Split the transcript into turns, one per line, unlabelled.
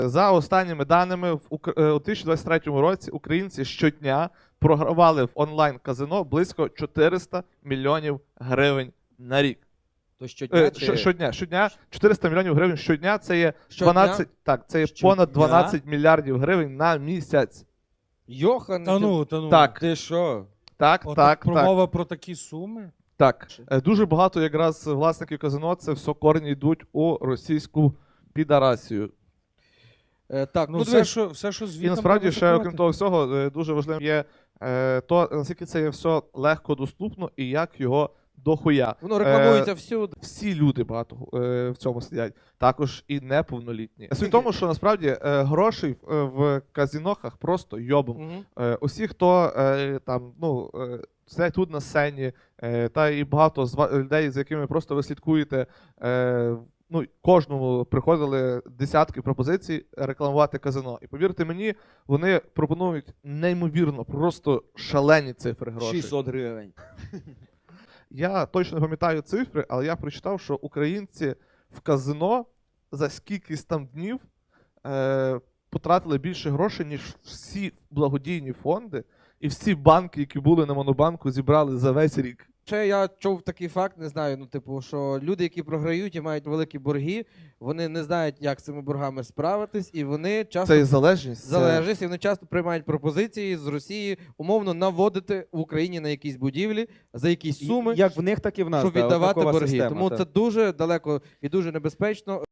За останніми даними, у 2023 році українці щодня програвали в онлайн-казино близько 400 мільйонів гривень на рік.
То щодня
Щодня 400 мільйонів гривень щодня, це є
Щодня?
12, так, це є понад 12 мільярдів гривень на місяць.
Йохан,
Та ну.
Так.
ти що?
Так,
Отак
так,
промова про такі суми?
так. Дуже багато якраз власників казино, це все корні йдуть у російську підарасію.
Так,
Ну,
дивись,
все, що звідти.
І насправді ще, окрім того всього, дуже важливим є то, наскільки це є все легко доступно і як його дохуя.
воно рекламується всюди.
Всі люди багато в цьому сидять, також і неповнолітні. Суть в тому, що насправді грошей в казінохах просто йобом.
Мгм.
Усі, хто там, сидять тут на сцені, та і багато людей, з якими просто ви слідкуєте, кожному приходили десятки пропозицій рекламувати казино. І повірте мені, вони пропонують неймовірно, просто шалені цифри грошей.
600 гривень.
Я точно не пам'ятаю цифри, але я прочитав, що українці в казино за скількись там днів потратили більше грошей, ніж всі благодійні фонди і всі банки, які були на Монобанку, зібрали за весь рік.
Ще я чув такий факт, не знаю, що люди, які програють і мають великі борги, вони не знають, як з цими боргами справитись, і вони часто
Це і залежність.
і вони часто приймають пропозиції з Росії умовно наводити в Україні на якісь будівлі за якісь суми,
Як в них, так і в нас.
щоб
да,
віддавати
однакова
борги.
система,
Тому
так.
це дуже далеко і дуже небезпечно.